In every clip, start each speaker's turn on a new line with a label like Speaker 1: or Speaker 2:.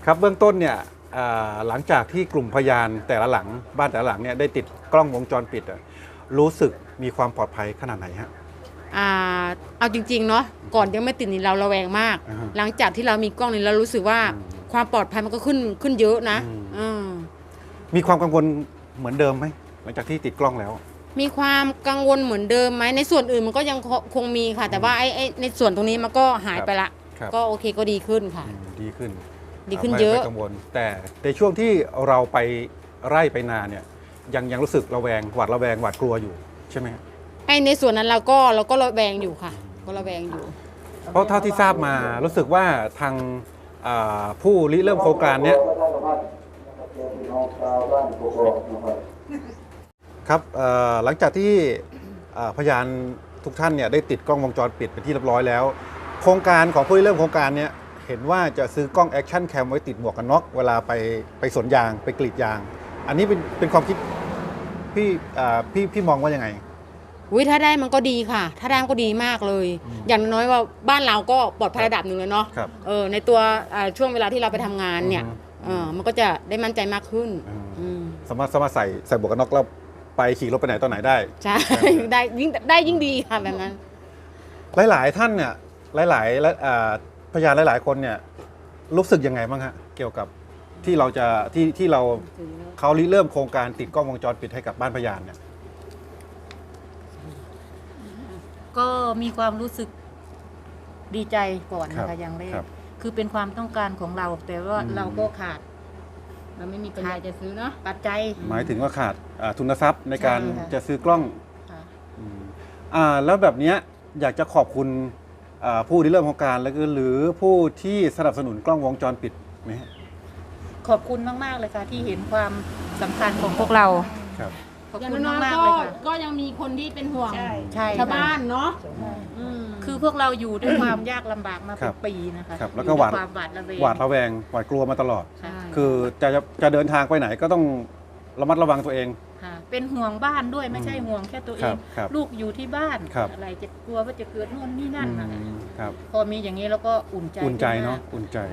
Speaker 1: ครับเบื้องต้นเนี่ยหลังจากที่กลุ่มพยานแต่ละหลังบ้านแต่ละหลังเนี่ยได้ติดกล้องวงจรปิดรู้สึกมีความปลอดภัยขนาดไหนฮะ
Speaker 2: เอาจริงๆเนาะก่อนยังไม่ติดนี่เราระแวงมากหลังจากที่เรามีกล้องนี่เรารู้สึกว่าความปลอดภัยมันก็ขึ้นเยอะนะ
Speaker 1: มีความกังวลเหมือนเดิมไหมหลังจากที่ติดกล้องแล้ว
Speaker 2: มีความกังวลเหมือนเดิมไหมในส่วนอื่นมันก็ยังคงมีค่ะแต่ว่าไอ้ในส่วนตรงนี้มันก็หายไปละก็โอเคก็ดีขึ้นค่ะ
Speaker 1: ดีขึ้น
Speaker 2: เยอะ
Speaker 1: ไม่กังวลแต่ในช่วงที่เราไปไร่ไปนาเนี่ยยังรู้สึกระแวงหวาดระแวงหวาดกลัวอยู่ใช่ไหม
Speaker 2: ไอ้ในส่วนนั้นเราก็ระแวงอยู่ค่ะก็ระแวงอยู่
Speaker 1: เพราะเท่าที่ทราบมารู้สึกว่าทางผู้ริเริ่มโครงการเนี้ยครับหลังจากที่พยานทุกท่านเนี่ยได้ติดกล้องวงจรปิดเป็นที่เรียบร้อยแล้วโครงการของผู้ริเริ่มโครงการเนี้ยเห็นว่าจะซื้อกล้องแอคชั่นแคมไว้ติดหมวกกันน็อกเวลาไปสวนยางไปกรีดยางอันนี้เป็นความคิดพี่มองว่ายังไง
Speaker 2: ถ้าได้มันก็ดีค่ะถ้าได้มันก็ดีมากเลยอย่างน้อยว่าบ้านเราก็ปลอดภัยระดับหนึ่งเลยเนาะในตัวช่วงเวลาที่เราไปทำงานเนี่ยมันก็จะได้มั่นใจมากขึ้น
Speaker 1: สามารถใส่หมวกกันน็อกแล้วไปขี่รถไปไหนตอนไหนได้
Speaker 2: ใช่ได้ยิ่งดีค่ะแบบนั้น
Speaker 1: หลายท่านเนี่ยหลายพยานหลายคนเนี่ยรู้สึกยังไงบ้างฮะเกี่ยวกับที่เราจะที่เขาริเริ่มโครงการติดกล้องวงจรปิดให้กับบ้านพยานเนี่ย
Speaker 3: ก็มีความรู้สึกดีใจก่อนนะคะอย่างแรกคือเป็นความต้องการของเราแต่ว่าเราก็ขาด
Speaker 2: เราไม่มีปัญญาจะซื้อเนาะ
Speaker 3: ปัจจัย
Speaker 1: หมายถึงว่าขาดทุนทรัพย์ในการจะซื้อกล้องแล้วแบบนี้อยากจะขอบคุณผู้ริเริ่มโครงการแล้วก็หรือผู้ที่สนับสนุนกล้องวงจรปิดไหม
Speaker 3: ขอบคุณมากๆเลยค่ะที่เห็นความสำคัญของพวกเราขอบคุณมากๆเลยค่ะ
Speaker 2: ก็ยังมีคนที่เป็นห่วง
Speaker 3: ชาว
Speaker 2: บ้านเนาะ
Speaker 3: คือพวกเราอยู่ด้วยความยากลำบากมาเป็นปีนะคะ
Speaker 1: แล้วก็หวาดระแวงหวาดกลัวมาตลอดคือจะเดินทางไปไหนก็ต้องระมัดระวังตัวเอง
Speaker 3: เป็นห่วงบ้านด้วยไม่ใช่ห่วงแค่ตัวเองลูกอยู่ที่บ้านอะไรจะกลัวว่าจะเกิดนู่นนี่นั่นนะคะพอมีอย่างนี้แล้วก็อุ่นใจ
Speaker 1: เนาะอุ่นใจ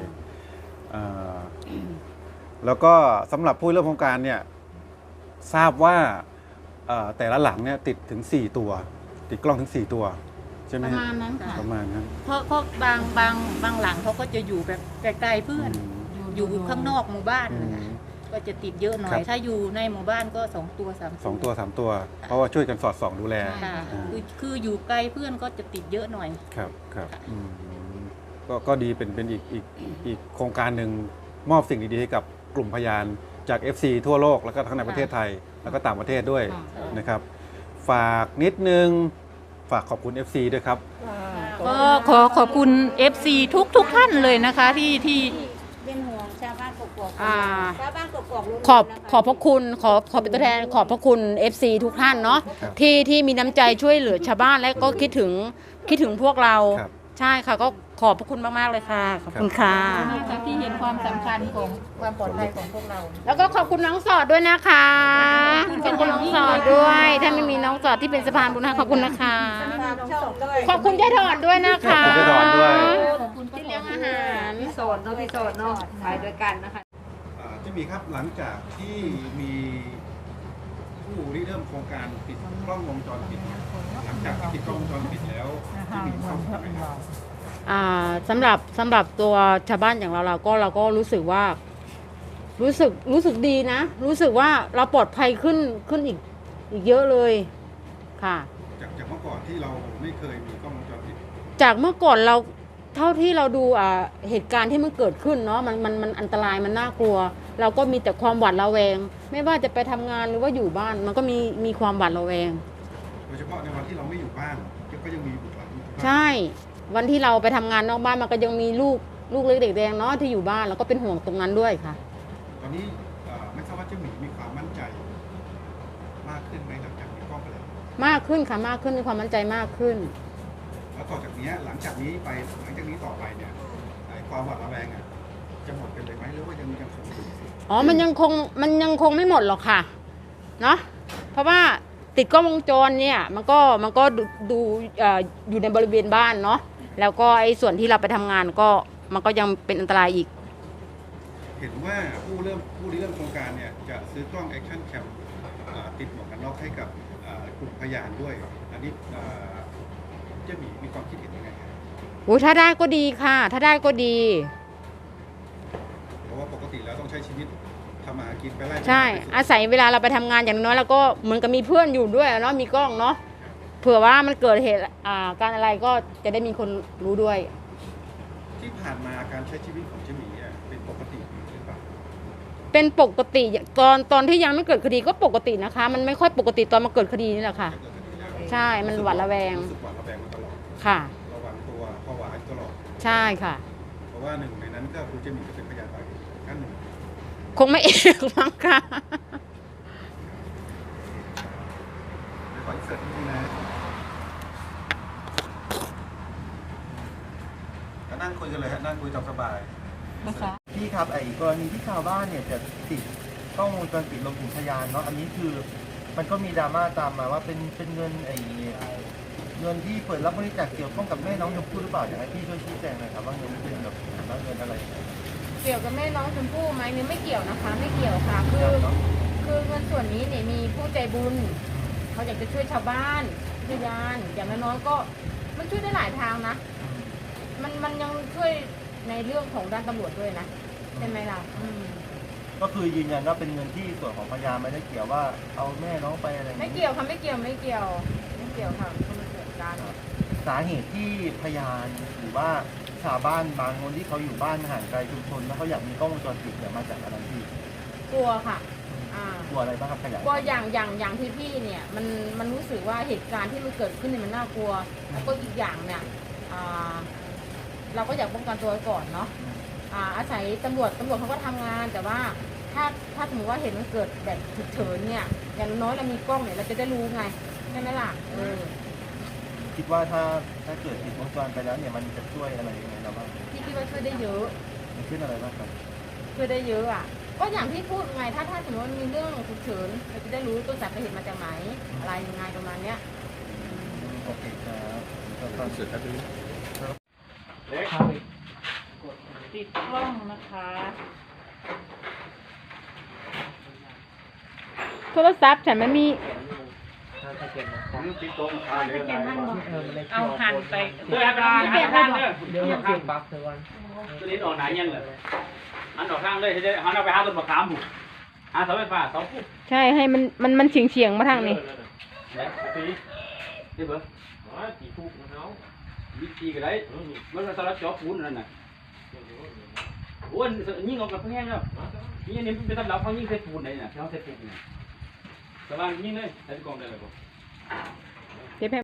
Speaker 1: แล้วก็สำหรับผู้เริ่มโครงการเนี่ยทราบว่าแต่ละหลังเนี่ยติดถึง4ตัวติดกล้องถึง4ตัวใช่ไหม
Speaker 2: ประมาณนั้นค่ะ
Speaker 1: ประมาณนั้น
Speaker 3: เพราะบางหลังเขาก็จะอยู่แบบไกลๆเพื่อนอยู่ข้างนอกหมู่บ้านก็จะติดเยอะหน่อยถ้าอยู่ในหมู่บ้านก็2 ตัว 3
Speaker 1: ตัวเพราะว่าช่วยกันสอดส่องดูแล
Speaker 3: คืออยู่ไกลเพื่อนก็จะติดเยอะหน่อย
Speaker 1: ครับก็ดีเป็นอีกโครงการหนึ่งมอบสิ่งดีๆให้กับกลุ่มพยานจาก FC ทั่วโลกแล้วก็ทั้งในประเทศไทยแล้วก็ต่างประเทศด้วยนะครับฝากนิดนึงฝากขอบคุณ FC ด้วยครับ
Speaker 3: ก็ขอบคุณ FC ทุกท่านเลยนะคะที่
Speaker 4: เป็นห่วงชาวบ้านกกอกชาวบ้านกกอก
Speaker 2: ขอบพระคุณขอเป็นตัวแทนขอบพระคุณ FC ทุกท่านเนาะที่มีน้ำใจช่วยเหลือชาวบ้านและก็คิดถึงพวกเราใช่ค่ะก็ขอบพระคุณมากๆเลยค่ะขอบคุณค่ะ
Speaker 3: ที่เห็นความสำคัญของความปลอดภัยของพวกเรา
Speaker 2: แล้วก็ขอบคุณน้องสอดด้วยนะคะขอบคุณน้องสอดด้วยถ้าไม่มีน้องสอดที่เป็นสะพานบุญขอบคุณนะคะขอบคุณยายถอนด้วยนะคะ
Speaker 1: ขอบคุณยายถอนด้วย
Speaker 2: ที่เลี้ยงอาหาร
Speaker 4: พี่โสดเนาะไปด้วยกันนะคะ
Speaker 1: ที่มีครับหลังจากที่มีผู้ริเริ่มโครงการติดกล้องวงจรปิดหลังจากที่ติดกล้องวงจรปิดแล้วที่มีความสุขไหมครับ
Speaker 2: สำหรับตัวชาวบ้านอย่างเราก็รู้สึกว่ารู้สึกดีนะรู้สึกว่าเราปลอดภัยขึ้นอีกเยอะเลยค่ะ
Speaker 1: จากเมื่อก่อนที่เราไม่เคยมีกล้องวงจรปิด
Speaker 2: จากเมื่อก่อนเราเท่าที่เราดูเหตุการณ์ที่มันเกิดขึ้นเนาะมันอันตรายมันน่ากลัวเราก็มีแต่ความหวาดระแวงไม่ว่าจะไปทำงานหรือว่าอยู่บ้านมันก็มีความหวาดระแวง
Speaker 1: โดยเฉพาะในวันที่เราไม่อยู่บ้านก็ยังมีบุตรหลาน
Speaker 2: ใช่วันที่เราไปทำงานนอกบ้านมันก็ยังมีลูกเล็กเด็กแดงเนาะที่อยู่บ้านแล้วก็เป็นห่วงตรงนั้นด้วยค่ะ
Speaker 1: ตอนนี้ไม่ทราบว่าเจ้าหมีความมั่นใจมากขึ้นไหมหลังจากมีกล้องไปแล้ว
Speaker 2: มากขึ้นค่ะมากขึ้นมีความมั่นใจมากขึ้น
Speaker 1: แล้วต่อจากนี้หลังจากนี้ต่อไปเนี่ยความหวาดระแวงจะหมดไปเลยไหมหรือว่ายังคง
Speaker 2: อ๋อมันยังคงไม่หมดหรอกค่ะเนาะเพราะว่าติดกล้องวงจรเนี่ยมันก็ดูอยู่ในบริเวณบ้านเนาะแล้วก็ไอ้ส่วนที่เราไปทำงานก็มันก็ยังเป็นอันตรายอีก
Speaker 1: เห็นว่าผู้ริเริ่มโครงการเนี่ยจะซื้อกล้องแอคชั่นแคมติดหมวกกันน็อกให้กับกลุ่มพยานด้วย อันนี้เจ๊หมีความคิดเห็นยังไงครับ
Speaker 2: โอ้ถ้าได้ก็ดีค่ะ ถ้าได้ก็ดี
Speaker 1: เพราะว่าปกติแล้วต้องใช้ชีวิตทำมาหากินไปไล่
Speaker 2: ใช่ อาศัยเวลาเราไปทำงานอย่างน้อยเราก็เหมือนกับมีเพื่อนอยู่ด้วยเนาะมีกล้องเนาะเผื่อว่ามันเกิดเหตุการอะไรก็จะได้มีคนรู้ด้วย
Speaker 1: ที่ผ่านมาการใช้ชีวิตของเจ๊หมีเป็นปกติหรือเปล่า
Speaker 2: เป็นปกติตอนที่ยังไม่เกิดคดีก็ปกตินะคะ มันไม่ค่อยปกติตอนมาเกิดคดีนี่แหละค่ะ
Speaker 1: เกิดคดีแล้ว
Speaker 2: ใช่มันหวาดระแวง
Speaker 1: รู้สึกหวาดระแวงมาตลอด
Speaker 2: ค่ะ
Speaker 1: ระวังตัวผวาตลอด
Speaker 2: ใช่ค่ะ
Speaker 1: เพราะว่าหนึ่งในนั้นก็คือเจ๊หมีจะเป็นพยานปากท่านหนึ่ง
Speaker 2: คงไม่เอกมั้งค่ะ
Speaker 1: เดี๋ยวขออินเสิร์ตนิดนึงนะก็นั่งคุยกันเลยฮะนั่งคุยตามสบาย
Speaker 5: พี่ครับไอ้กรณีที่ชาวบ้านเนี่ยจะติดกล้องวงจรปิดลงถึงพยานเนาะอันนี้คือมันก็มีดราม่าตามมาว่าเป็นเงินเงินที่เปิดรับบริจาคเกี่ยวข้องกับแม่น้องชมพู่หรือเปล่าอยากให้พี่ช่วยชี้แจงหน่อยครับว่าเงินนี้เป็นแบบว่าเงินอะไร
Speaker 4: เกี่ยวกับแม่น้องชมพู่ไหมเนี่ยไม่เกี่ยวนะคะ ไม่เกี่ยวค่ะ คือเงินส่วนนี้เนี่ยมีผู้ใจบุญเขาอยากจะช่วยชาวบ้านพยานอย่างน้อยๆก็มันช่วยได้หลายทางนะ มันยังช่วยในเรื่องของด้านตำรวจด้วยนะใช่ไหมล่ะ
Speaker 5: ก็คือยืนยันว่าเป็นเงินที่ส่วนของพยานไม่ได้เกี่ยวว่าเอาแม่น้องไปอะไรอย่าง
Speaker 4: ไม่
Speaker 5: นี้
Speaker 4: เกี่ยวค่ะไม่เกี่ยวไม่เกี่ยวค่ะคนละเกี่ยวกัน
Speaker 5: สาเหตุที่พยานหรือว่าชาวบ้านบางคนที่เขาอยู่บ้านห่างไกลชุมชนแล้วเขาอยากมีกล้องวงจรปิดเนี่ยมาจากอะไรพี่
Speaker 4: กลัวค่ะ
Speaker 5: กลัวอะไรบ้างครับขยาย
Speaker 4: กลัวอย่างที่พี่เนี่ยมันรู้สึกว่าเหตุการณ์ที่มันเกิดขึ้นเนี่ยมันน่ากลัว แล้วก็อีกอย่างเนี่ยเราก็อยากป้องกันตัวไว้ก่อนเนาะอาศัยตำรวจเขาก็ทำงาน แต่ว่าถ้าสมมติว่าเห็นมันเกิดแบบฉุกเฉินเนี่ยอย่างน้อยเรามีกล้องเนี่ยเราจะได้รู้ไงใช่ไหมล่ะ
Speaker 5: คิดว่าถ้าเกิดติดวงจรไปแล้วเนี่ยมันจะช่วยอะไรยังไงเราบ้าง
Speaker 4: พี่คิดว่าช่วยได้เยอะ
Speaker 5: มันขึ้นอะไรบ้างครับ
Speaker 4: ช่วยได้เยอะก็อย่างที่พูดไงถ้าสมมติว่ามีเรื่องฉุกเฉินเราจะได้รู้ต้นสายปลายเหตุมาจากไหนอะไรยังไงประมาณเนี้ย
Speaker 5: โอเคครับก็เสร็จแล้ว
Speaker 3: ติดกล้องนะคะ
Speaker 2: โทรศัพท์ฉันไม่มี
Speaker 3: เอาหันไป
Speaker 6: เดี๋ยวหันเสียงปั๊บเท่านั้นตัวนี้ออกไหนยังเลยหันออกข้างเลยจะหันเอาไปหาต้นมะขามบุหาเสาไฟฟ้าเสาปุ๊บ
Speaker 2: ใช่ให้มันเฉียงมาทางนี้
Speaker 6: เนี่ยตีนี่เบอร์ตีปุ๊บเขาวิธีกันไรมันสลัดจ่อปูนนั่นน่ะโอ้ยยิ่งออกกับแห้งแล้วนี่นี่เป็นตำรับเขายิ่งใส่ปูนไหนน่ะเขาใส่ปูนเนี่ยสว่างยิ่งเลยใส่กองได้เลยบ่
Speaker 2: เดี๋ยว